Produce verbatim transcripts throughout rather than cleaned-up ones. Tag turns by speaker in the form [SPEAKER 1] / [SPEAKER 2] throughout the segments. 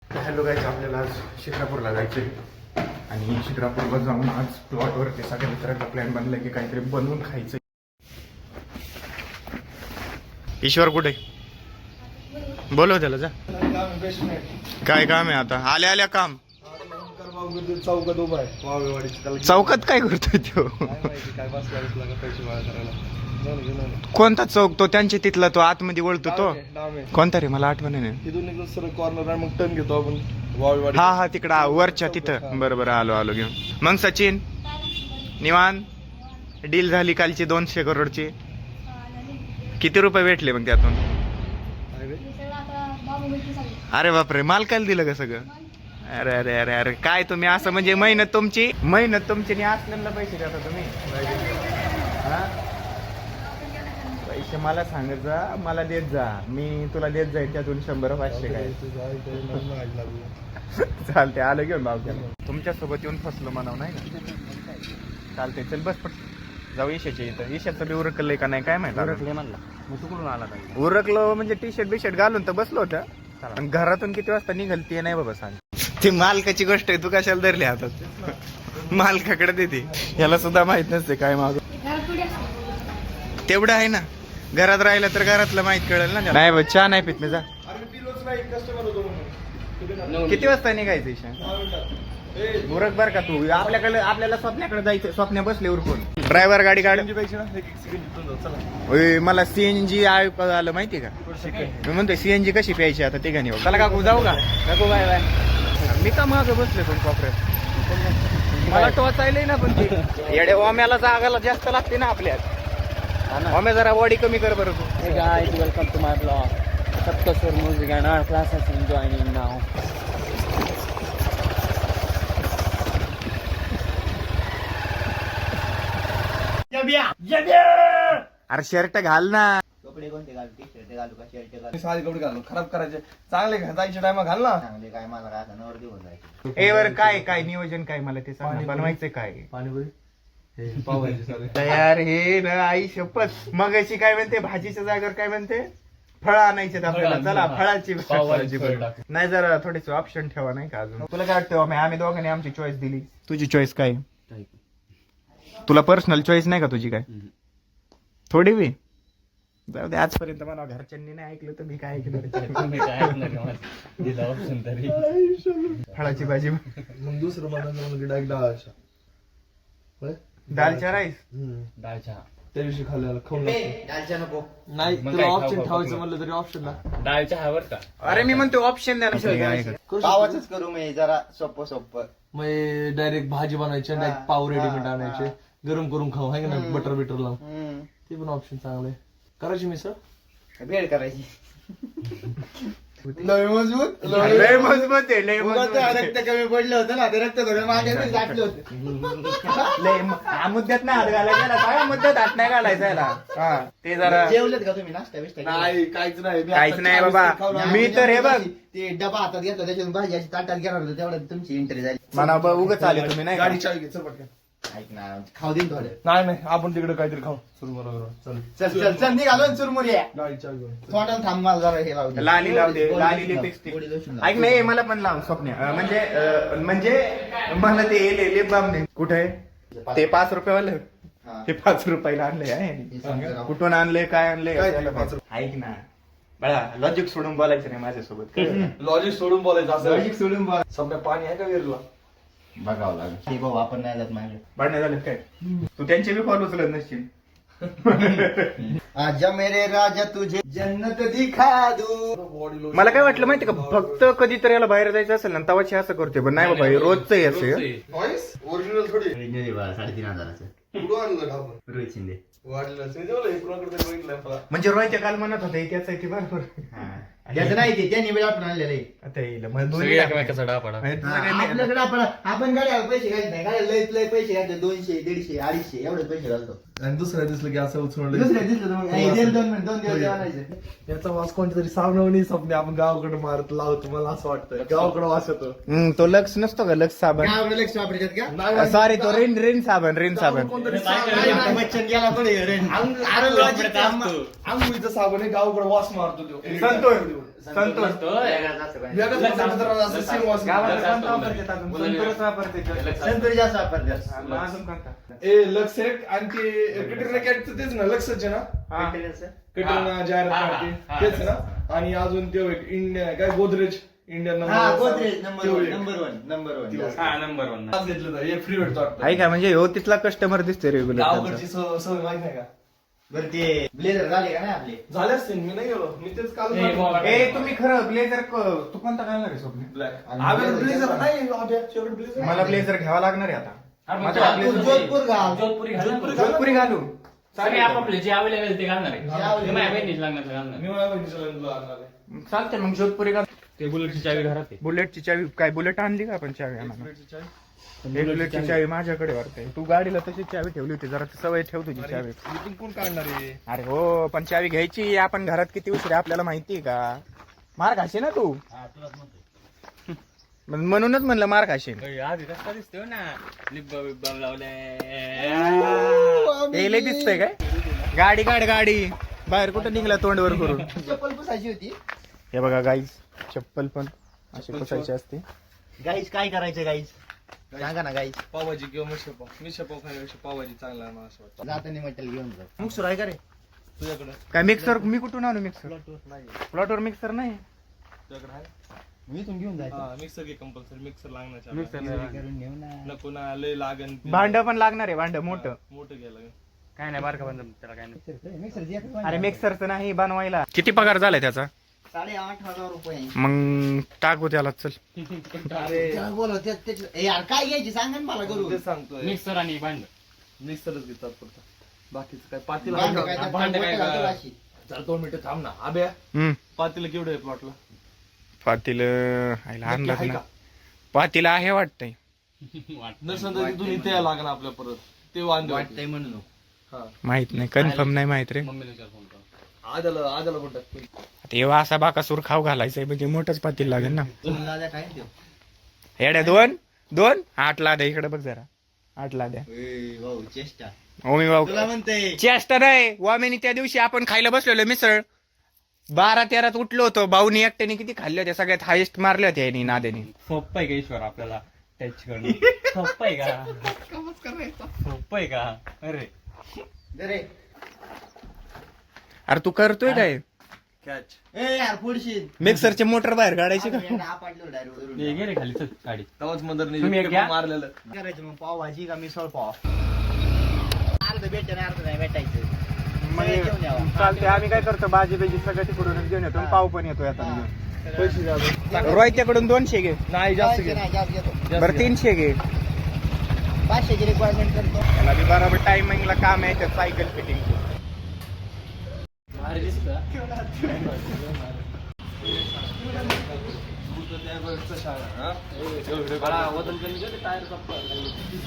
[SPEAKER 1] Hello guys, आपल्याला आज शिक्रापूरला जायचं आहे आणि शिक्रापूरला जाऊन आज प्लॉटवरती सगळ्या मित्रांचा प्लॅन बनला की काहीतरी बनवून खायचं. ईश्वर कुठे बोलव त्याला जा. काय काम आहे आता? आल्या आल्या काम
[SPEAKER 2] चौकात उभा आहे वावेवाडीची.
[SPEAKER 1] चौकात काय करतोय तो?
[SPEAKER 2] काय बसला पैसे गोळा करायला.
[SPEAKER 1] कोणता चौक तो? त्यांच्या तिथला तो आतमध्ये वळतो तो कोणता रे? मला आठवण नाही.
[SPEAKER 2] तिथून निघून सर कॉर्नर आहे, मग टर्न घेतो आपण वावेवाडी.
[SPEAKER 1] हा हा तिकडं वरच्या तिथं. बरं बरं, आलो आलो घेऊन. मग सचिन निवान डील झाली कालची दोनशे करोडची. किती रुपये भेटले मग त्यातून? अरे बापरे, मालकाला दिलं का सगळं? अरे अरे अरे अरे काय तुम्ही असं म्हणजे मेहनत तुमची मेहनत तुमची नाही असलेला पैसे देता तुम्ही. हा पैसे मला सांगत जा, मला देत जा, मी तुला देत जाईल त्यातून शंभर पाचशे काय चालते. आलं घेऊन भाऊ तुमच्या सोबत येऊन फसलो म्हणाव नाही का? चालते चल बस पट जाऊ. ईशाच्या इथं ईशाचं बी उरकलंय का नाही काय माहिती.
[SPEAKER 3] उरकले म्हणला मग तू कुठून आला काय?
[SPEAKER 1] उरकलो म्हणजे टी शर्ट बी शर्ट घालून तर बसलो होतं. आणि घरातून किती वाजता निघाल ते नाही बाबा सांग. ती मालकाची गोष्ट आहे, तू कशाला धरली हातात? मालकाकडे देते, याला सुद्धा माहित नसते काय मागू. तेवढं आहे ना, घरात राहिलं तर घरातलं माहित कळेल ना. नाही बा चहा नाही पित मी. जा. किती वाजता निघायचं ईशा? उरक बर का तू. आपल्याकडे आपल्याला स्वप्नाकडे जायचं. स्वप्न बसले उरकून. ड्रायव्हर गाडी काढ. मला सीएनजी आलं माहितीये का? मी म्हणतोय सीएनजी कशी प्यायची आता ते गाणी. चला काकू जाऊ का? काकू बाय बाय. मी का मागं बसले पण कॉपऱ्यात? मला टोचायलंय ना पण ते येडे ओम्याला जागाला जास्त लागते ना आपल्यात. ओम्या जरा बॉडी कमी कर बरं तू.
[SPEAKER 3] Hey guys, welcome to my vlog. Saptaswar music and our classes is joining now.
[SPEAKER 1] अरे शर्ट घाल ना.
[SPEAKER 3] कपडे कोणते घालू? टी शर्ट घालू का शर्ट घालू?
[SPEAKER 2] साधी कपडे घालून खराब करायचे. चांगले जायच्या टायमा घाल ना.
[SPEAKER 3] चांगले काय मला काय नवर दिवस जायचं.
[SPEAKER 1] ए वर काय काय नियोजन काय मला ते सांग. बनवायचंय काय?
[SPEAKER 2] पाणीपुरी पावायचे सारे
[SPEAKER 1] तयार हे ना आई शपथ. मग अशी काय म्हणते भाजीच्या जागेवर काय म्हणते? फळ आणायचे आपल्याला. चला फळाची भाजी. नाही जरा थोडेसे ऑप्शन ठेवा नाही का अजून. तुला काय वाटतं? आम्ही दोघांनी आमची चॉईस दिली. तुझी चॉईस काय? तुला पर्सनल चॉईस नाही का तुझी काय? थोडी बी जाऊ दे. आजपर्यंत मला घरच्यांनी नाही ऐकलं तर मी काय ऐकलं? फळाची भाजी.
[SPEAKER 2] मग दुसरं मला डायरेक्ट डाळ.
[SPEAKER 1] दालच्या राईस.
[SPEAKER 3] डाळ चहा
[SPEAKER 2] त्या दिवशी खाल्ल्याला खाऊन
[SPEAKER 3] डाळच्या नको.
[SPEAKER 2] नाही तुला ऑप्शन ठेवायचं म्हणलं तरी ऑप्शन ना.
[SPEAKER 3] डाळ चहा वर का?
[SPEAKER 1] अरे मी म्हणतो ऑप्शन द्या.
[SPEAKER 3] पावाच करू मी जरा सोपं सोपं.
[SPEAKER 2] मग डायरेक्ट भाजी बनायची, डायरेक्ट पाव रेडीमेड आणायचे, गरम करून खाऊ आहे का ना, बटर बिटर लावून. ते पण ऑप्शन चांगले. करायची मिसळ
[SPEAKER 3] भेळ करायची.
[SPEAKER 2] लय मजबूत
[SPEAKER 1] लय मजबूत आहे. लय मजबूत
[SPEAKER 3] रक्त कमी पडलं होतं ना, ते रक्त थोडं मागे गाठलं होतं.
[SPEAKER 1] लय हा मुद्द्यात नाही हात घालायचा याला. काय मुद्द्यात हात नाही घालायचा याला. हा ते जरा
[SPEAKER 3] जेवलेत का तुम्ही? नाश्ता बिस्टा केला?
[SPEAKER 2] नाही काहीच नाही. मी
[SPEAKER 1] काहीच
[SPEAKER 2] आता
[SPEAKER 1] नाही
[SPEAKER 2] चहा
[SPEAKER 1] बाबा.
[SPEAKER 2] बिस्किट खाऊन आलो.
[SPEAKER 1] मी तर हे बघ
[SPEAKER 3] ते डबा हातात घेतला, त्याच्यातून भाजी अशी ताटात घेणार होतं, तेवढ्यात तुमची एंट्री झाली.
[SPEAKER 1] म्हणा उगच आले तुम्ही नाही का?
[SPEAKER 2] गाडी चावी घे चल पटकन.
[SPEAKER 3] ऐक ना, खाऊ देईन थोडे.
[SPEAKER 2] नाही नाही आपण तिकडे काहीतरी खाऊ सुरू बरोबर. चल
[SPEAKER 3] चल चल चल निघालो ना चुरमुरी.
[SPEAKER 2] गाडी चावी घेऊन.
[SPEAKER 3] तोंडाला थांब, मला जरा हे लावू दे.
[SPEAKER 1] लाली लाव दे.
[SPEAKER 3] गोडी
[SPEAKER 1] लाली
[SPEAKER 3] लोशन लाव.
[SPEAKER 1] लिपस्टिक.
[SPEAKER 3] गोडी लोशन लाव.
[SPEAKER 1] ऐक नाही मला पण लाव स्वप्न. अं, म्हणजे अं, म्हणजे मला ते लिप बाम दे. कुठे ते पाच रुपयेवालं?
[SPEAKER 3] हा.
[SPEAKER 1] ते पाच रुपयाला आणले आहे.
[SPEAKER 3] हे सांग जरा.
[SPEAKER 1] कुठून आणले काय आणले?
[SPEAKER 2] काय ते पाच
[SPEAKER 1] ऐक ना बळा, लॉजिक सोडून बोलायचं नाही माझ्यासोबत.
[SPEAKER 2] लॉजिक सोडून बोलायचं असं.
[SPEAKER 1] लॉजिक सोडून बोला.
[SPEAKER 2] समजा पाणी आहे का वेरला?
[SPEAKER 3] बघावं लागेल. हे भाऊ आपण नाही जात मागे.
[SPEAKER 1] भांडण झालं काय? तू त्यांचे बी फॉलो उचलत नसशील.
[SPEAKER 3] आजा मेरे राजा तुझे जन्नत दिखा दू.
[SPEAKER 2] Body lotion.
[SPEAKER 1] मला काय वाटलं माहिती का, फक्त कधीतरी याला बाहेर जायचं असेल ना तवाची असं करते. पण नाही बाबा, हे रोजचं हे असं.
[SPEAKER 2] व्हॉइस ओरिजिनल थोडी.
[SPEAKER 3] साडेतीन हजाराचं
[SPEAKER 2] कुठं आणलं का आपण?
[SPEAKER 3] रोहित शिंदे.
[SPEAKER 2] वाढलेलं असेल जेवलं हे कुणाकडे तरी बघितलंय मला.
[SPEAKER 1] म्हणजे रोहित काल म्हणत होते त्याच आहे ते बरोबर.
[SPEAKER 3] त्याचं नाही ते त्यांनी वेळ आपण आणलेलं आहे.
[SPEAKER 1] आता येईल मग दोन्ही
[SPEAKER 3] एकमेकाचा डापडा.
[SPEAKER 1] म्हणजे तुझं काही नाही.
[SPEAKER 3] आपल्याकडे आपण आपण गाड्या पैसे घालत नाही. गाड्या लय लय पैसे घालते. दोनशे दीडशे अडीचशे एवढे पैसे घालतो.
[SPEAKER 2] आणि दुसऱ्या दिसलं की असं उचललं.
[SPEAKER 3] दुसऱ्या दिसलं तर मग हे दोन दोन मिनिट दोन दिवस जेवायचं.
[SPEAKER 2] याचा वास कोणतरी साबणावणी स्वप्ने आपण गावाकडे मारत लावतो. मला असं वाटतं गावाकडे वास येतो.
[SPEAKER 1] हम्म, तो लक्स नसतो का? लक्स साबण.
[SPEAKER 3] गावाकडे लक्ष वापरतात का?
[SPEAKER 2] नाही,
[SPEAKER 1] सॉरी, तो रिन रिन साबण. रिन साबण.
[SPEAKER 2] कोणतरी
[SPEAKER 3] नाही, नाही, बच्चन गेला पण हे रे.
[SPEAKER 2] आंघोळीचा साबण आहे गावाकडे वास मारतो तो.
[SPEAKER 1] संतोष संतोष
[SPEAKER 3] वेगळाच असतो काय.
[SPEAKER 2] वेगळंच वापरतात तर असं same वास.
[SPEAKER 1] गावाला कोणता वापरतात अजून? संतोषच वापरते.
[SPEAKER 3] संतोष जास्त वापरतात.
[SPEAKER 1] मग अजून कोणता?
[SPEAKER 2] ए लक्स एक आणि ते कटरीना कॅटचं तेच ना लक्सच आहे ना
[SPEAKER 1] हा.
[SPEAKER 2] कटरीना जाहिरात काढते तेच ना आणि अजून ते एक इंडियन काय गोदरेज इंडियन
[SPEAKER 3] हा
[SPEAKER 2] number
[SPEAKER 3] Godrej number one number one number one
[SPEAKER 4] हा नंबर वन
[SPEAKER 2] घेतलं तर एक फ्री भेटतो वाटतं.
[SPEAKER 1] आहे का म्हणजे हो तिथला कस्टमर दिसतोय रेग्युलर.
[SPEAKER 2] गावाकडची सव- सवय माहित नाही का
[SPEAKER 3] बरं ते ब्लेझर झाले का नाही आपले
[SPEAKER 2] झाले असतील मी नाही गेलो मी तेच काल
[SPEAKER 4] ए, बाबा.
[SPEAKER 1] ए तुम्ही खरं ब्लेझर तू कोणता घालणार आहे स्वप्न?
[SPEAKER 2] ब्लॅक
[SPEAKER 3] आणि
[SPEAKER 2] आम्ही
[SPEAKER 3] blazer
[SPEAKER 2] ब्लेझर
[SPEAKER 3] पण.
[SPEAKER 2] नाही आब्या शेवट ब्लेझर
[SPEAKER 1] मला ब्लेझर घ्यावा लागणार आहे आता.
[SPEAKER 4] अरे
[SPEAKER 1] माझा
[SPEAKER 4] मग
[SPEAKER 1] blazer-
[SPEAKER 3] जोधपूर घाल
[SPEAKER 4] जोधपुरी घालणार.
[SPEAKER 1] जोधपुरी घालू.
[SPEAKER 4] सगळे आपापले जे अवेलेबल ते घालणार आहे.
[SPEAKER 3] जे available.
[SPEAKER 4] ते माझ्या बहिणीच लागणार ते घालणार.
[SPEAKER 2] मी मला बहिणीचं लग्न लागणार आहे.
[SPEAKER 1] चालते मग जोधपुरी घाल.
[SPEAKER 4] ते बुलेटची चावी घरात आहे.
[SPEAKER 1] बुलेटची चावी काय बुलेट आणली का आपण चावी आम्हाला?
[SPEAKER 2] ब्लेझरची चावी.
[SPEAKER 1] एक बुलेटची चावी माझ्याकडे वाटते. तू गाडीला तशीच चावी ठेवली होती जरा सवय ठेव तुझी चावी.
[SPEAKER 2] इथून कोण काढणार आहे
[SPEAKER 1] अरे हो पण चावी घ्यायची आपण घरात किती उशीर आहे आपल्याला माहिती आहे का? मार खाशी ना तू. मग म्हणूनच म्हणलं मार खाशी.
[SPEAKER 4] आधी रस्ता दिसतोय ना लिब्बा बिब्बा लावलाय.
[SPEAKER 1] लय दिसतंय काय? गाडी काढ गाडी बाहेर कुठं निघला तोंडवर करून.
[SPEAKER 3] चप्पल पुसायची होती.
[SPEAKER 1] हे बघा गाईज चप्पल पण अशी पुसायची असते.
[SPEAKER 3] गाईस काय करायचं गाईस सांगा ना गाईस.
[SPEAKER 2] पावभाजी किंवा मिसळ पाव मिसळ पाव खाण्यापेक्षा पावभाजी चांगला आहे मला असं वाटतं
[SPEAKER 3] जाताना मटेरियल घेऊन जा. मग सुरू आहे का रे
[SPEAKER 2] तुझ्याकडे
[SPEAKER 1] काय मिक्सर मी कुठून आणू मिक्सर?
[SPEAKER 2] नाही
[SPEAKER 1] प्लॉटवर मिक्सर नाही.
[SPEAKER 2] तुझ्याकडे आहे
[SPEAKER 3] मी इथून घेऊन जायचं.
[SPEAKER 2] हा मिक्सर घे कंपल्सरी मिक्सर लागणार
[SPEAKER 4] मिक्सर
[SPEAKER 3] करून नेऊ ना.
[SPEAKER 2] नको ना लय लागन ते.
[SPEAKER 1] भांड पण लागणार आहे भांड मोठं.
[SPEAKER 2] मोठं घ्यायला लागेल.
[SPEAKER 4] काय नाही बारका बंद त्याला काय नाही.
[SPEAKER 3] मिक्सर जे
[SPEAKER 1] अरे मिक्सरचं नाही बनवायला. किती पगार झालाय त्याचा?
[SPEAKER 3] साडे आठ हजार रुपये.
[SPEAKER 1] मग टाकू त्याला चल.
[SPEAKER 2] अरे
[SPEAKER 3] त्याला बोलव ते- ते- ए यार काय घ्यायची सांगा ना मला करू.
[SPEAKER 2] तेच सांगतोय
[SPEAKER 4] मिक्सर आणि भांड.
[SPEAKER 2] मिक्सरच घेतात फक्त बाकीचं काय पातील
[SPEAKER 3] भांड
[SPEAKER 2] आहे
[SPEAKER 3] काय
[SPEAKER 2] का?
[SPEAKER 3] तर
[SPEAKER 4] भांड काय
[SPEAKER 3] बोटं घालतो
[SPEAKER 4] का?
[SPEAKER 3] अशी.
[SPEAKER 2] जरा दोन मिनिटं थांब ना आब्या
[SPEAKER 1] हम्म
[SPEAKER 2] पातील केवढं आहे प्लॉटला
[SPEAKER 1] पातील आईला अंदाज
[SPEAKER 2] आहे
[SPEAKER 1] ना.
[SPEAKER 2] का?
[SPEAKER 1] पातील आहे वाटतंय.
[SPEAKER 2] नसेल तर तिथून इथे यायला लागणार आपल्या परत ते वांदे होते.
[SPEAKER 3] वाटतंय म्हणून
[SPEAKER 2] हा
[SPEAKER 1] माहित नाही कन्फर्म नाही माहित रे.
[SPEAKER 4] मम्मीला विचार फोन कर.
[SPEAKER 2] आजाला आजाला पण टाकतो
[SPEAKER 1] आता एव्हा असा बाकासूर खाऊ घालायचंय म्हणजे मोठंच पातील लागेल ना.
[SPEAKER 3] दादा काय देऊ.
[SPEAKER 1] येड्या दोन दोन आठ लाद्या इकडे बघ जरा. आठ लाद्या
[SPEAKER 3] ए, भाऊ चेष्टा
[SPEAKER 1] ओमी भाऊ
[SPEAKER 3] तुला म्हणते
[SPEAKER 1] चेष्टा नाही. वामेनी त्या दिवशी आपण खायला बसलेलो मिसळ बारा तेरात उठलो होतो. भाऊनी एकट्याने किती खाल्ले होते सगळ्यात हायेस्ट मारले होते यांनी नाद्याने.
[SPEAKER 4] सोप्प आहे का ईश्वर आपल्याला टच करणं? सोप्प आहे का? सोप्प आहे का? अरे
[SPEAKER 3] दे रे.
[SPEAKER 1] अरे तू करतोय काय?
[SPEAKER 2] कॅच
[SPEAKER 3] ए यार पुढशील.
[SPEAKER 1] मिक्सरचे मोटर बाहेर काढायचे का?
[SPEAKER 3] आपटलो डायरेक्ट वरून.
[SPEAKER 4] ये गे रे खाली चल गाडी.
[SPEAKER 2] तवाच मदरने
[SPEAKER 4] तुम्ही एक घ्या.
[SPEAKER 2] मारलेलं
[SPEAKER 3] काय करायचं मग पाव भाजी का मिसळ पाव. अर्ध भेटेल अर्ध नाही भेटायचं. सगळं घेऊन यावं.
[SPEAKER 1] चालते आम्ही काय करतो भाजी बिजी सगळं तिकडूनच घेऊन येतो. पाव पण येतो आता
[SPEAKER 3] हा.
[SPEAKER 1] घेऊन.
[SPEAKER 2] पैसे द्या
[SPEAKER 1] रोहित्याकडून दोनशे घे.
[SPEAKER 2] नाही जास्त घे
[SPEAKER 3] नाही, जास्त घेतो.
[SPEAKER 1] बरं तीनशे घे.
[SPEAKER 3] पाचशेची रिक्वायरमेंट करतो.
[SPEAKER 1] त्याला बी बरोबर टायमिंगला काम आहे त्यात सायकल फिटिंग.
[SPEAKER 4] अरे दिसतं? बाळा, वजन कमी कर, टायर संपलं.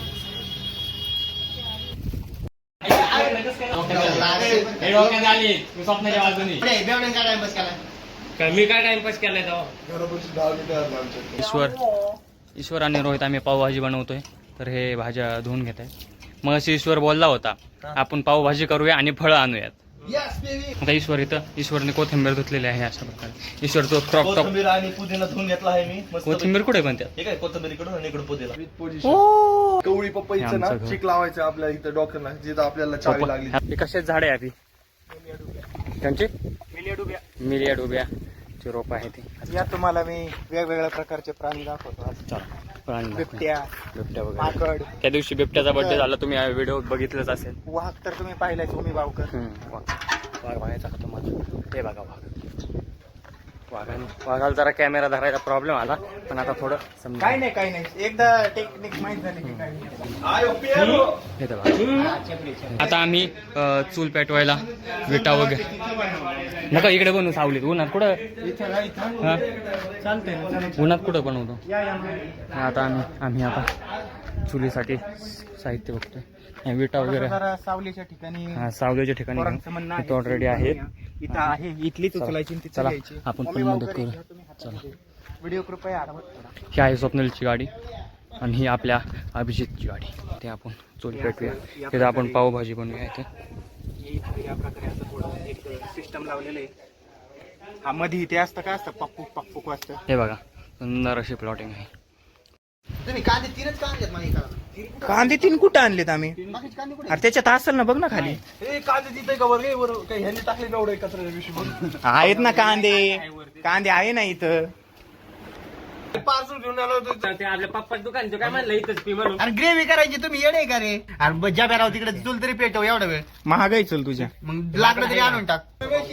[SPEAKER 4] हे डोक्यात आली मी स्वप्नाच्या बाजूनी.
[SPEAKER 3] अरे, बेवड्यानं काय टाइमपास केला?
[SPEAKER 4] काय मी काय टाइमपास केलाय तेव्हा? ईश्वर ईश्वर आणि रोहित आम्ही पावभाजी बनवतोय तर हे भाज्या धुवून घेत आहे. मग अशी ईश्वर बोलला होता आपण पावभाजी करूया आणि फळं आणूयात.
[SPEAKER 3] Yes, baby.
[SPEAKER 4] आता ईश्वर इथं ईश्वरने कोथिंबीर धुतलेली आहे अशा प्रकारे. ईश्वर तो क्रॉप टॉप
[SPEAKER 2] कोथिंबीर आणि पुदिना धुवून घेतला आहे मी मस्त.
[SPEAKER 4] कोथिंबीर कुठे पण त्यात?
[SPEAKER 2] हे काय कोथिंबीर इकडून आणि इकडून पुदिना कवळी पपईचं
[SPEAKER 4] हे
[SPEAKER 2] ना
[SPEAKER 4] आमचं घर.
[SPEAKER 2] चिक लावायचं आपल्या इथं डॉक्टरला जिथं आपल्याला चावी लागली.
[SPEAKER 4] हे कशाच झाड आहे आधी त्यांची मिलिया डुब्या ची रोप आहे ती.
[SPEAKER 1] या तुम्हाला मी वेगवेगळ्या प्रकारचे प्राणी दाखवतो आज.
[SPEAKER 4] चला प्राणी दाखव.
[SPEAKER 1] बिबट्या
[SPEAKER 4] बिबट्या वगैरे.
[SPEAKER 1] माकड
[SPEAKER 4] त्या दिवशी बिबट्याचा बर्थडे झाला तुम्ही व्हिडिओ बघितलंच असेल.
[SPEAKER 1] वाघ तर तुम्ही पाहिलाय तुम्ही भावकर.
[SPEAKER 4] हम्म, वाघ वाघ बघायचा का तुम्हाला? ते बघा वाघ. वाघाने वाघाला जरा कॅमेरा धरायचा प्रॉब्लेम आला पण आता थोडं समजा.
[SPEAKER 1] काय नाही काय नाही एकदा टेक्निक माहित झाली की काय नाही.
[SPEAKER 4] हे तर बघा. आता आम्ही अ, चूल पेटवायला विटा वगैरे नका इकडे बनवू सावलीत. उन्हात कुठं हा?
[SPEAKER 1] चालतंय ना चालेल.
[SPEAKER 4] उन्हात कुठं बनवतो.
[SPEAKER 1] या या मग.
[SPEAKER 4] आता आम्ही आम्ही आता चुलीसाठी साहित्य बघतोय. हे विटा वगैरे
[SPEAKER 1] जरा सावलीच्या ठिकाणी
[SPEAKER 4] हा, सावलीच्या ठिकाणी
[SPEAKER 1] पोरांचं म्हणणं आहे.
[SPEAKER 4] ऑलरेडी आहेत.
[SPEAKER 1] इथं आहे इथलीच
[SPEAKER 4] चला.
[SPEAKER 1] उचलायची आणि तिथं
[SPEAKER 4] चला,
[SPEAKER 1] घ्यायची.
[SPEAKER 4] आपण
[SPEAKER 1] मम्मी
[SPEAKER 4] पण मदत
[SPEAKER 1] भावकर
[SPEAKER 4] करू.
[SPEAKER 1] घ्या तुम्ही हातामध्ये. व्हिडिओ कृपया आरामात करा.
[SPEAKER 4] ही आहे स्वप्नलची गाडी आणि ही आपल्या अभिजितची गाडी. ते आपण चूल पेटूया तिथं आपण पावभाजी बनवूया इथे.
[SPEAKER 1] हे इथं या प्रकारे असं थोडं एक सिस्टम लावलेलं आहे हा मध्ये ते असतं काय असतं पप्पू पप्पू वाजतं.
[SPEAKER 4] हे बघा सुंदर अशी प्लॉटिंग आहे.
[SPEAKER 3] तुम्ही कांदे तीनच कांदे आहेत मला एका.
[SPEAKER 1] कांदे तीन कुठं आणलेत आम्ही?
[SPEAKER 3] बाकीचे कांदे कुठे?
[SPEAKER 1] अरे त्याच्यात असेल ना, बघ ना खाली.
[SPEAKER 2] हे कांदे तिथे का बरं वर काही ह्यांनी टाकले ना एवढं कचरा विषयी
[SPEAKER 1] आहेत ना कांदे, कांदे आहे ना इथं.
[SPEAKER 2] पार्सल घेऊन आलो होतो.
[SPEAKER 4] ते आपल्या पप्पा दुकान काय म्हणलं इथंच पी म्हणून.
[SPEAKER 3] आणि ग्रेव्ही करायची तुम्ही येडे का रे? अरे ज्या बेराव तिकडे चूल तरी पेटव एवढा वेळ.
[SPEAKER 1] महागाई चल तुझ्या.
[SPEAKER 3] मग लाकडं तरी आणून टाक.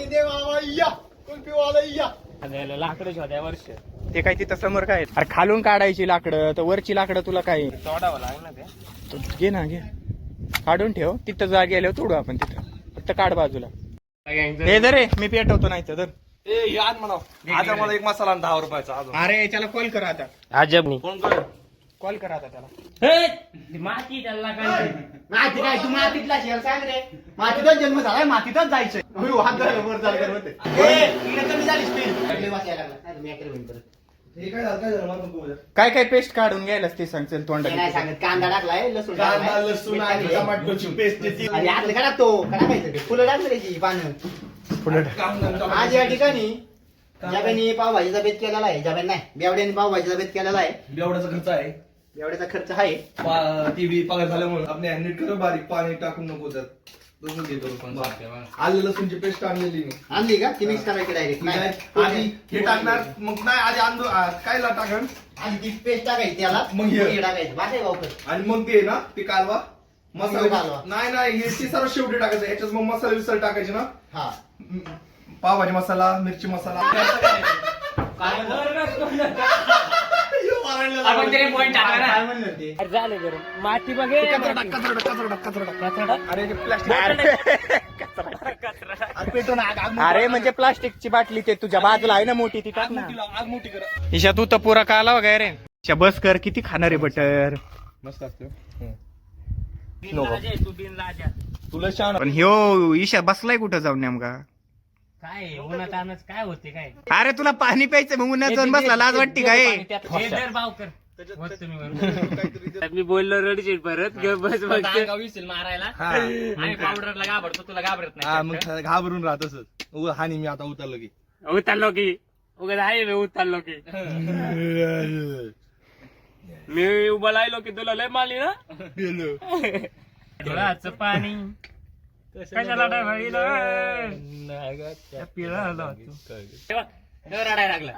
[SPEAKER 4] लाकडं शोध्या वर्ष
[SPEAKER 1] ते काय तिथं समोर काय अरे खालून काढायची लाकडं, तर वरची लाकडं तुला काय
[SPEAKER 4] तोडावं लागलं ना ते.
[SPEAKER 1] घे ना, घे काढून ठेव. तिथं जागे आल्यावर तोडू आपण तिथं. फक्त काढ बाजूला. हे दर रे, मी पेटवतो नाही तर.
[SPEAKER 2] ए हे आण म्हणा आता मला एक मसाला आण दहा रुपयाचा अजून.
[SPEAKER 1] अरे त्याला कॉल करा आता.
[SPEAKER 4] अजब
[SPEAKER 2] कोण कर
[SPEAKER 1] कॉल करा आता त्याला.
[SPEAKER 4] माती त्याला काय
[SPEAKER 3] माती काय तू मातीतला शेअर सांग रे. मातीतच जन्म झालाय, मातीतच जायचंय. वर झालं होते. कमी झाली स्पीड. वाचायला लागला मी अकरा मिनिट परत.
[SPEAKER 2] हे काय झालं काय झालं मला नको उद्या.
[SPEAKER 1] काय काय पेस्ट काढून घ्यायलाच ते सांगतील
[SPEAKER 3] ते
[SPEAKER 1] तोंडात.
[SPEAKER 3] नाही सांगत. कांदा टाकलाय, लसूण
[SPEAKER 2] कांदा
[SPEAKER 3] टाकलाय,
[SPEAKER 2] लसूण
[SPEAKER 3] मीठ
[SPEAKER 2] आणि
[SPEAKER 3] टाकलंय.
[SPEAKER 2] टमाटोची पेस्ट ती
[SPEAKER 3] आणि आतलं का टाकतो का टाकायचं ते? फुलं टाकलं त्याची पानं.
[SPEAKER 2] कांदा
[SPEAKER 3] आज या ठिकाणी जगाने पावभाजीचा बेत केलेला आहे. जगाने नाही, बेवड्याने पावभाजीचा बेत केलेला आहे.
[SPEAKER 2] एवढाचा खर्च आहे.
[SPEAKER 3] बेवड्याचा खर्च आहे.
[SPEAKER 2] टीव्ही पगार झाल्यामुळे आपण नीट कर बारीक पाणी टाकून नको त्यात. तसं घे करून. आलं लसूणची पेस्ट आणलेली मी.
[SPEAKER 3] आणली का ती मिक्स करायची डायरेक्ट?
[SPEAKER 2] आधी हे टाकणार मग नाही आधी अंदो काय ला टाकण
[SPEAKER 3] आणि ती पेस्ट टाकायची त्याला,
[SPEAKER 2] मग हे.
[SPEAKER 3] हे टाकायचं. बाकी वापर
[SPEAKER 2] आणि मग ते ना ते कालवा
[SPEAKER 3] मग
[SPEAKER 2] मसाला
[SPEAKER 3] कालवा.
[SPEAKER 2] नाही नाही हे ते सर्व शेवटी टाकायचं. याच्यात मग मसाला विसर टाकायचे ना.
[SPEAKER 3] हा.
[SPEAKER 2] पावभाजी मसाला मिरची मसाला
[SPEAKER 4] आपण तरी point टाकला ना.
[SPEAKER 3] काय म्हणलं ते?
[SPEAKER 4] अरे झालं गरम. माती बघे
[SPEAKER 2] अरे ते प्लास्टिक
[SPEAKER 3] अरे पेटवून आग आग
[SPEAKER 1] अरे म्हणजे प्लास्टिकची बाटली ते तुझ्या बाजूला आहे ना मोठी, ती टाक ना.
[SPEAKER 2] आग मोठी करा.
[SPEAKER 1] ईशा तू तर पुरा काला वगैरे. ईशा बस कर, किती खाणार आहे बटर.
[SPEAKER 2] मस्त असते
[SPEAKER 4] तू बिन लाजा.
[SPEAKER 2] तुला छान
[SPEAKER 1] पण ह्यो ईशा बसलाय कुठं जाऊन नेमका.
[SPEAKER 4] काय उन्हात आणच काय होते काय.
[SPEAKER 1] अरे तुला पाणी प्यायचं मग उन्हात जाऊन बसला, लाज वाटते काय.
[SPEAKER 4] मी बोललो रडशील परत ग बस विसील मारायला. आणि पावडरला घाबरतो, तुला घाबरत
[SPEAKER 2] हा
[SPEAKER 4] नाही.
[SPEAKER 2] मग घाबरून राहत असत. हानी मी आता उतरलो की
[SPEAKER 4] उतरलो की उगाच आहे मी उतरलो की मी उभा राहिलो की तुला लय मारली ना. डोळ्याचं पाणी कशाला रडायला लागला.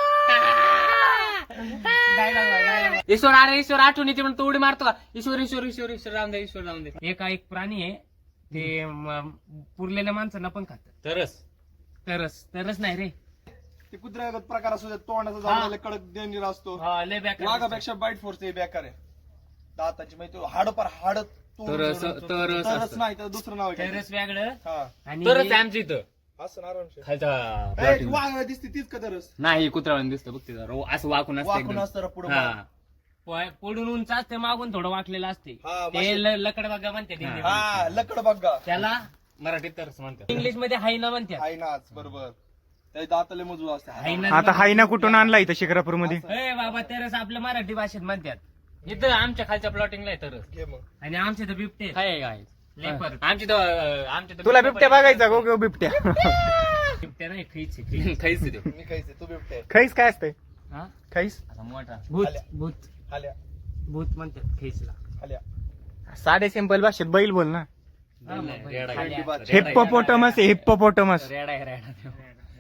[SPEAKER 4] ईश्वर अरे ईश्वर आठवण येते म्हणून तो उडी मारतो का. ईश्वर ईश्वर ईश्वर ईश्वर राम दे ईश्वर राम दे. एका एक प्राणी आहे ते म- पुरलेल्या माणसांना पण खातात. तरस तरस तरस नाही रे.
[SPEAKER 2] ते कुत्र्या प्रकार असतो तोंडाचा
[SPEAKER 4] हा.
[SPEAKER 2] जाऊन कडक डेंजर असतो.
[SPEAKER 4] हा, लय बेकार.
[SPEAKER 2] वाघापेक्षा बाईट फोर्स ते बेकार आहे. दाताची म्हणजे हाड पर हाड
[SPEAKER 4] तरस तरस
[SPEAKER 2] तरच
[SPEAKER 4] असतं.
[SPEAKER 2] नाही तर दुसरं नाव आहे
[SPEAKER 4] तरस वेगळं
[SPEAKER 2] हा
[SPEAKER 4] आणि तरच आमच्या इथं
[SPEAKER 2] असं ना आरामशीर.
[SPEAKER 4] खालचा
[SPEAKER 2] ए, वाघ दिसते तीच का तरच
[SPEAKER 4] नाही कुत्र्यावानी दिसतं बघ तिथं रो- असं वाकून असतं
[SPEAKER 2] वाकून
[SPEAKER 4] एकदम.
[SPEAKER 2] असतं पुढे
[SPEAKER 4] हा. प- पुढून उंच असते, मागून थोडं वाकलेलं असते.
[SPEAKER 2] हा,
[SPEAKER 4] ते ल- लकड बघा म्हणते हिंदीमध्ये.
[SPEAKER 2] हा लकड बघा
[SPEAKER 4] त्याला मराठीत तरच म्हणतात, इंग्लिश मध्ये हायना म्हणतात.
[SPEAKER 2] आहे नाच बरोबर. त्या दाताले मजबूत असते.
[SPEAKER 4] हायना
[SPEAKER 1] आता हायना कुठून आणला इथं शिक्रापूर मध्ये.
[SPEAKER 4] ए बाबा तरच आपल्या मराठी भाषेत म्हणतात. इथं आमच्या खालच्या प्लॉटिंगला आहे तरच.
[SPEAKER 2] घे मग.
[SPEAKER 4] आणि आमचे तर बिबटे काय काय लेपर आमची तर आमच्या तर
[SPEAKER 1] तुला बिबट्या बघायचा गो गो बिबट्या.
[SPEAKER 4] बिबट्या नाही खैच खैच देऊ.
[SPEAKER 2] मी खायचे तू बिबटे
[SPEAKER 1] खैस काय असते.
[SPEAKER 4] हा
[SPEAKER 1] खैस
[SPEAKER 4] असा मोठा भूत
[SPEAKER 2] आल्या.
[SPEAKER 4] भूत
[SPEAKER 2] आल्या
[SPEAKER 4] भूत म्हणतात खैचला.
[SPEAKER 2] आल्या.
[SPEAKER 1] साधे सिंपल भाषेत बैल बोल ना.
[SPEAKER 4] रेडा
[SPEAKER 1] हिप्पोपोटमस हिप्पोपोटमस.
[SPEAKER 4] रेडा रेडा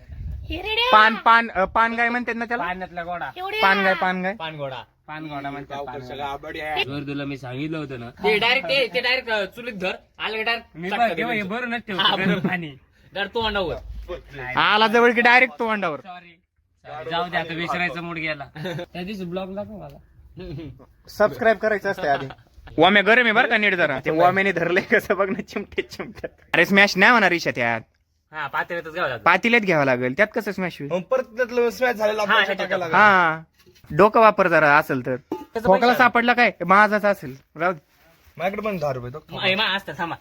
[SPEAKER 1] पान पान अ, पान गाय म्हणतात ना त्याला.
[SPEAKER 4] पाण्यातला गोडा
[SPEAKER 1] पान गाय पान गाय.
[SPEAKER 4] पानगोडा पानगोडा म्हणतात.
[SPEAKER 2] गावकडचं
[SPEAKER 4] पानगोडा.
[SPEAKER 2] गाबडी आहे.
[SPEAKER 4] जर तुला मी सांगितलं होतं ना ते डायरेक्ट ते डायरेक्ट चुलीत धर आलं डायरेक्ट बरं नसते गरम पाणी डायरेक्ट तो अंडावर
[SPEAKER 1] आला जवळ की डायरेक्ट तो अंडावर.
[SPEAKER 4] सॉरी जाऊ दे आता विसरायचा मूड गेला. त्या दिवशी ब्लॉग दाखव मला.
[SPEAKER 1] सबस्क्राईब करायचं असते आधी. वाम्या गरम आहे बरं का नीट जरा. ते वाम्याने धरले कसं बघ ना चिमटे चिमट्यात. अरे स्मॅश नाही म्हणा रिशा त्यात.
[SPEAKER 4] हा पातेल्यातच घ्यावं लागतं.
[SPEAKER 1] पातील्यात घ्यावं लागेल त्यात कसं स्मॅश होईल.
[SPEAKER 2] मग परत त्यातलं स्मॅच झालेला
[SPEAKER 4] हा,
[SPEAKER 2] आपल्याला टाकायला लागेल.
[SPEAKER 1] हा डोकं वापर जरा असेल तर. खोकला सापडला काय माझाच असेल राहू दे.
[SPEAKER 2] माझ्याकडे पण दहा रुपये तो.
[SPEAKER 4] मा- मा असतं थांबा.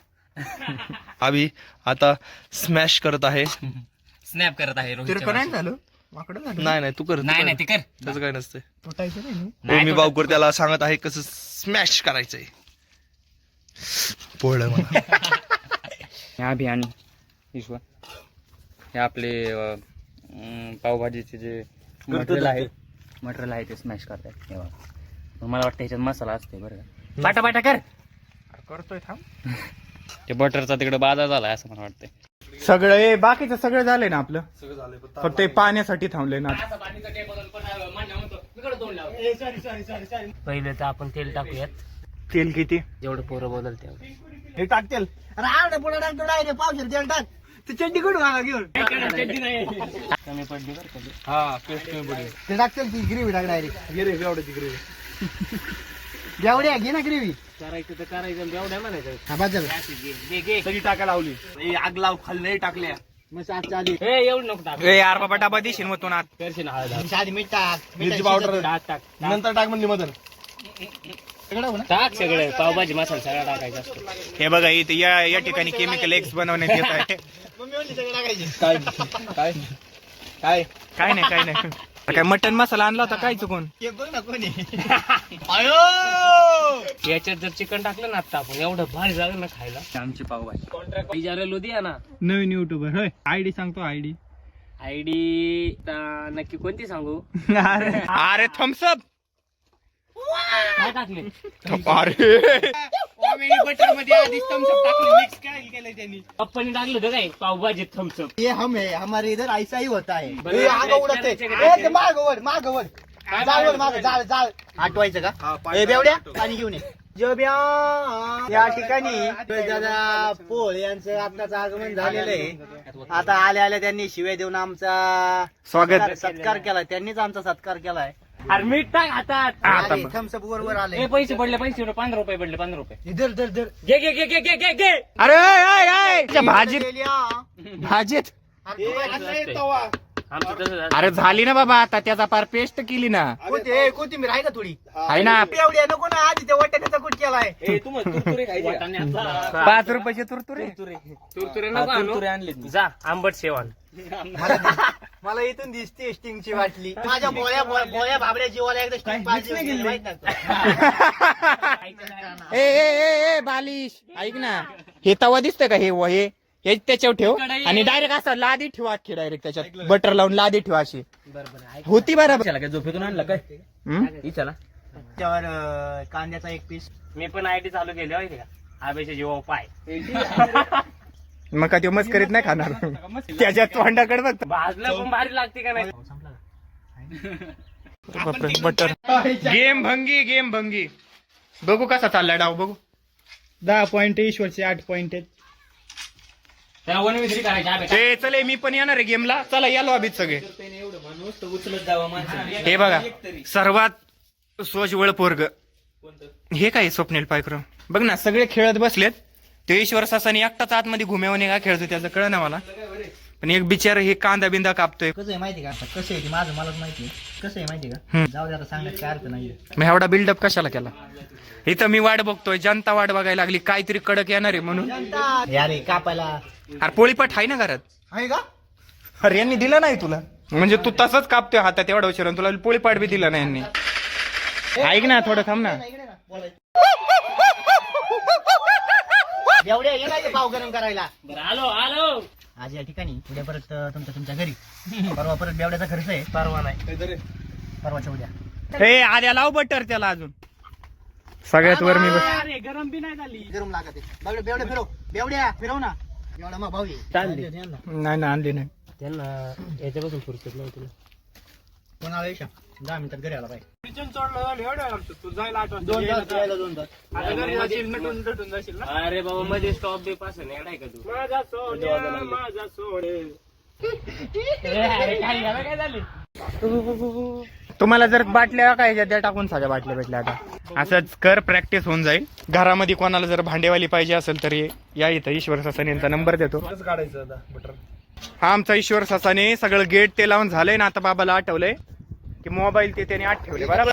[SPEAKER 2] अभि आता स्मॅश करत आहे.
[SPEAKER 4] स्नॅप करत आहे रोहितच्या
[SPEAKER 1] तिरकं नाही
[SPEAKER 4] भाषेत.
[SPEAKER 1] झालं वाकडं झालं.
[SPEAKER 2] नाही नाही तू कर
[SPEAKER 4] नाही नाही ते कर
[SPEAKER 2] त्याचं काय नसतंय.
[SPEAKER 1] तुटायचं नाही ना.
[SPEAKER 4] नाही,
[SPEAKER 2] मी
[SPEAKER 4] तो-
[SPEAKER 2] बावकर त्याला सांगत आहे कसं स्मॅश करायचंय. पोळलं मला.
[SPEAKER 4] ह्या अभि आणि ईश्वर हे आपले अं, अं, पावभाजीचे जे मटेरियल आहे मटेरियल आहे ते स्मॅश करतायत हे बघा. मग मला वाटतं ह्याच्यात मसाला असते बरं का. बाटा बाटा कर
[SPEAKER 1] करतोय थांब.
[SPEAKER 4] ते बटरचा तिकडे बाजार झालाय असं मला वाटतंय.
[SPEAKER 1] सगळं हे बाकीचं सगळं झालंय ना आपलं,
[SPEAKER 2] सगळं झालंय पण
[SPEAKER 1] फक्त हे पाण्यासाठी थांबले ना.
[SPEAKER 5] पहिले तर आपण तेल टाकूयात,
[SPEAKER 1] तेल किती?
[SPEAKER 5] जेवढं पोरं बोलल तेवढं.
[SPEAKER 3] हे टाकतेल. अरे आवडे पुढे टाकतो डायरेक्ट पावशेर तेल टाक. तू चड्डी कुठून आला घेऊन?
[SPEAKER 5] कमी पडली बरं का.
[SPEAKER 2] हा पेस्ट कमी पडेल.
[SPEAKER 3] ते टाकतेल ती ग्रेव्ही टाक डायरेक्ट.
[SPEAKER 2] घे रे एवढ्याची ग्रेव्ही.
[SPEAKER 3] जेवढ्या घे ना ग्रेव्ही.
[SPEAKER 5] करायचं तर करायचं, एवढ्या म्हणायचं.
[SPEAKER 3] हा बस झालं.
[SPEAKER 5] घे घे.
[SPEAKER 2] सगळी टाका लावली. ए, आग लाव खाली नाही टाकल्या.
[SPEAKER 3] मग आजच्या आधी
[SPEAKER 5] ए एवढं नको टाक.
[SPEAKER 1] ए यार बाबा डबा देशील मग तू ना.
[SPEAKER 5] करशील हळद.
[SPEAKER 3] आमच्या आधी मीठ टाक.
[SPEAKER 2] मिरची पावडर
[SPEAKER 5] टाक टाक
[SPEAKER 2] नंतर टाक म्हणली मदन.
[SPEAKER 5] टाक सगळं. पावभाजी मसाला सगळा टाकायचा असतो.
[SPEAKER 1] हे बघा इथे या या ठिकाणी केमिकल एक्स बनवण्यात येत आहे.
[SPEAKER 3] मम्मी म्हणली सगळं टाकायचे.
[SPEAKER 2] काय काय काय
[SPEAKER 1] काय नाही काय नाही. काय मटन मसाला आणला होता काय चुकून?
[SPEAKER 3] हे बघ ना कोणी.
[SPEAKER 5] याच्यात जर चिकन टाकलं ना आता आपण, एवढं भारी झालं ना खायला.
[SPEAKER 4] आमची पावभाजी
[SPEAKER 5] कॉन्ट्रॅक्ट लुधियाना.
[SPEAKER 1] नवीन युट्यूबर होय. आयडी सांगतो आयडी.
[SPEAKER 5] आयडी नक्की कोणती सांगू?
[SPEAKER 1] अरे अरे थम्सअप.
[SPEAKER 5] काय टाकले?
[SPEAKER 1] अरे
[SPEAKER 3] बटर मध्ये आधीच थम्सअप टाकलं, मिक्स काय केलं त्यांनी.
[SPEAKER 5] पप्पानी टाकलं होतं काय पावभाजी थम्सअप?
[SPEAKER 3] ये हम है, हमारे इधर ऐसा ही होता है.
[SPEAKER 5] बरं,
[SPEAKER 3] ए, आग उडत आहे.
[SPEAKER 5] त्याच्या-
[SPEAKER 3] ए, ते मागं वळ, मागं वळ. जाळ वळ, मागं, जाळ, जाळ. आठवायचं का? ए, बेवड्या, पाणी घेऊन ये. जोब्या, या ठिकाणी दादा पोळ यांचं आत्ताच आगमन झालेलं आहे. आता आल्या आल्या त्यांनी शिव्या देऊन आमचा
[SPEAKER 1] स्वागत.
[SPEAKER 3] सत्कार- सत्कार केला. त्यांनीच आमचा सत्कार केलाय.
[SPEAKER 5] अरे मीठ टाक हातात.
[SPEAKER 1] आता बघ.
[SPEAKER 3] थम्सअप वर वर आले.
[SPEAKER 5] ए पैसे पडले, पैसे पडले, पंधरा रुपये पडले, पंधरा रुपये.
[SPEAKER 3] इधर धर धर.
[SPEAKER 5] घे घे घे घे घे घे घे.
[SPEAKER 1] अरे आय, आय, आय. त्या भाजीत भाजीत
[SPEAKER 5] आमचं तसं झालं.
[SPEAKER 1] अरे झाली ना बाबा आता, त्याचा पार पेस्ट केली ना.
[SPEAKER 3] कोणते कोथिंबीर आहे का थोडी?
[SPEAKER 1] आहे ना.
[SPEAKER 3] एवढ्या नको ना, आधी त्या वाट्याचा कुठ केलाय.
[SPEAKER 5] वाटाण्याचा.
[SPEAKER 1] पाच रुपयाचे तुरतुरे.
[SPEAKER 5] तुरतुरे नको आणू. जा आंबट शेवण.
[SPEAKER 3] मला इथून दिसते स्टिंगची वाटली. माझ्या बोळ्या बोळ्या भाबड्या जीवाला एकदा स्टिंग पाहिजे माहित नाही का?
[SPEAKER 1] ए ए ए ए बालिश ऐक ना, हे तवा दिसतंय का? हे व- हे हे त्याच्यावर ठेव आणि डायरेक्ट असं लादी ठेवा अख्खी डायरेक्ट त्याच्यात बटर लावून लादी ठेवा अशी होती बरोबर.
[SPEAKER 5] काय झोपेतून आणलं काय?
[SPEAKER 1] हम्म?
[SPEAKER 5] चला.
[SPEAKER 3] त्यावर अं, कांद्याचा एक पीस.
[SPEAKER 5] मी पण आयटी चालू केली माहिती का? आबेचे जीवा पाय.
[SPEAKER 1] मग का ते मस्करीत नाही खाणार त्याच्यात तोंडाकडे बघ.
[SPEAKER 5] भाजलं पण भारी लागते का नाही?
[SPEAKER 1] बटर. गेम भंगी गेम भंगी. बघू कसा चाललाय डाव बघू. दहा पॉइंट ईश्वरचे आठ पॉइंट आहेत.
[SPEAKER 5] त्याला वनविक्री करायची आबे.
[SPEAKER 1] ते चले मी पण येणार आहे गेमला. चला या लॉबीत सगळे.
[SPEAKER 5] उचलत जावं माणसं.
[SPEAKER 1] हे बघा सर्वात सोजवळ पोरग हे काय स्वप्नील पायक्रम बघ ना, सगळे खेळत बसलेत. ते ईश्वर सासाने एकटाच आतमध्ये घुमेवणे का खेळतो त्याचं कळ ना मला. पण एक बिचार हे कांदा बिंदा कापतोय.
[SPEAKER 3] कसं आहे माहिती का? कसं आहे ते माझं मलाच माहिती आहे. कसं आहे माहिती का?
[SPEAKER 1] हम्म.
[SPEAKER 3] जाऊ दे आता, सांगण्यात काय अर्थ नाहीये.
[SPEAKER 1] मग एवढा बिल्डअप कशाला केला? इथं मी वाट बघतोय, जनता वाट बघायला लागली काहीतरी कडक येणार आहे म्हणून.
[SPEAKER 3] अरे कापायला
[SPEAKER 1] अरे पोळीपाट आहे ना घरात.
[SPEAKER 3] आहे का?
[SPEAKER 1] अरे यांनी दिलं नाही तुला, म्हणजे तू तसंच कापतोय हातात एवढा उशीर, तुला पोळीपाट बी दिला नाही यांनी. ऐक ना थोडं थांब ना.
[SPEAKER 3] इकडे ना, बोलायचं. एवढ्या ये नाही ते पाव गरम करायला.
[SPEAKER 5] बरं आलो आलो.
[SPEAKER 3] आज या ठिकाणी उद्या परत अं, तुमच्या तुमच्या घरी. परवा परत बेवड्याचा खर्च आहे. परवा नाही, परवाच्या उद्या.
[SPEAKER 1] हे आद्या लाव बटर त्याला अजून. सगळ्यात वर मी बस.
[SPEAKER 5] अरे गरम बी नाही झाली.
[SPEAKER 3] गरम लागत आहे. बेवड्या बेवड्या फिरव, बेवड्या फिरव ना. एवढा मग भाऊ आहे.
[SPEAKER 5] चालली.
[SPEAKER 1] नाही ना आणली नाही.
[SPEAKER 5] त्यांना याच्यापासून फुरसत नाही तुला.
[SPEAKER 3] कोणाला येशा दहा मिनिटात घरी आला पाहिजे.
[SPEAKER 5] दोन
[SPEAKER 3] तास यायला दोन तास.
[SPEAKER 5] अरे बाबा मध्ये स्टॉप बी पास नाही का तू? माझा सोन्या माझा सोडे. काय झालं काय झालं?
[SPEAKER 1] तुम्हाला जर बाटल्या काय द्या टाकून सगळ्या बाटल्या भेटल्या आता. असंच कर, प्रॅक्टिस होऊन जाईल. घरामध्ये कोणाला जर भांडेवाली पाहिजे असेल तर या इथं ईश्वर सासाने यांचा नंबर देतो.
[SPEAKER 2] काढायचं आता बटर.
[SPEAKER 1] हा आमचा ईश्वर सासाने सगळं गेट ते लावून झालंय ना. आता बाबाला आठवलंय की मोबाईल ते त्याने आत ठेवले बरोबर.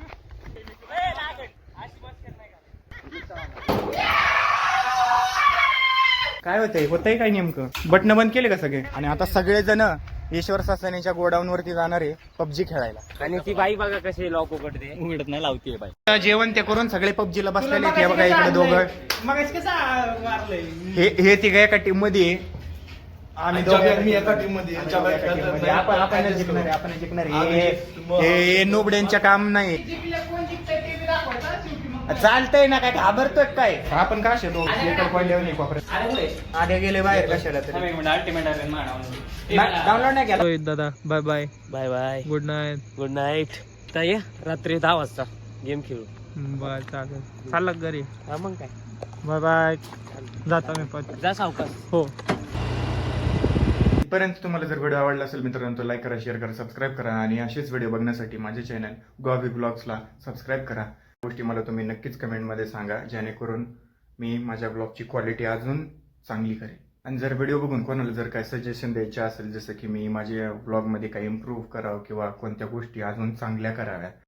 [SPEAKER 1] काय होतंय होतंय काय नेमकं? बटन बंद केले का सगळे? आणि आता सगळेजण ईश्वर सासानेच्या गोडाऊन वरती जाणार आहे पबजी खेळायला.
[SPEAKER 5] आणि ती बाई बघा कशी लॉक उघडते.
[SPEAKER 4] उघडत नाही लावते बाई.
[SPEAKER 1] जेवण ते करून सगळे पबजीला बसलेले आहेत. हे बघा इकडे दोघं. हे हे तिघ एका टीम मध्ये आहे. आम्ही
[SPEAKER 2] जब्या
[SPEAKER 1] दोघं-
[SPEAKER 2] आणि मी एका टीम मध्ये
[SPEAKER 1] आम्ही
[SPEAKER 2] जब्या
[SPEAKER 1] एका
[SPEAKER 2] खेळतात
[SPEAKER 1] team मध्ये.
[SPEAKER 2] नाही.
[SPEAKER 1] आपण आपण
[SPEAKER 2] adjust
[SPEAKER 1] जिंकणार आहे,
[SPEAKER 2] करू.
[SPEAKER 1] आपण जिंकणार आहे.
[SPEAKER 2] आम्ही
[SPEAKER 1] हे-
[SPEAKER 2] मग-
[SPEAKER 1] हे नुबड्यांचं काम नाही. चालतंय ना, काय घाबरतोय काय आपण का शेतो एकर पडल्यावर नाही कोपऱ्यात आधे गेले बाहेर कशाला तरी
[SPEAKER 4] अल्टिमेट
[SPEAKER 1] डाउनलोड नाही केला
[SPEAKER 4] दादा bye bye
[SPEAKER 5] bye bye
[SPEAKER 4] good night
[SPEAKER 5] good night तर ये रात्री दहा वाजता गेम खेळू
[SPEAKER 4] बाय चालेल चाललं घरी
[SPEAKER 5] हा मग काय
[SPEAKER 4] बाय बाय जाता मी पण
[SPEAKER 5] जा सावकाश
[SPEAKER 4] हो
[SPEAKER 1] इथपर्यंत तुम्हाला जर व्हिडिओ आवडला असेल मित्रांनो तर लाईक करा, शेअर करा, सबस्क्राईब करा आणि असेच व्हिडिओ बघण्यासाठी माझे चॅनल गोवावी ब्लॉग्सला सबस्क्राईब करा. गोष्टी मला तुम्ही नक्कीच कमेंटमध्ये सांगा, जेणेकरून मी माझ्या ब्लॉगची क्वालिटी अजून चांगली करेन. आणि जर व्हिडिओ बघून कोणाला जर काही सजेशन द्यायचे असेल, जसं की मी माझ्या ब्लॉगमध्ये काही इम्प्रूव्ह करावं किंवा कोणत्या गोष्टी अजून चांगल्या कराव्या,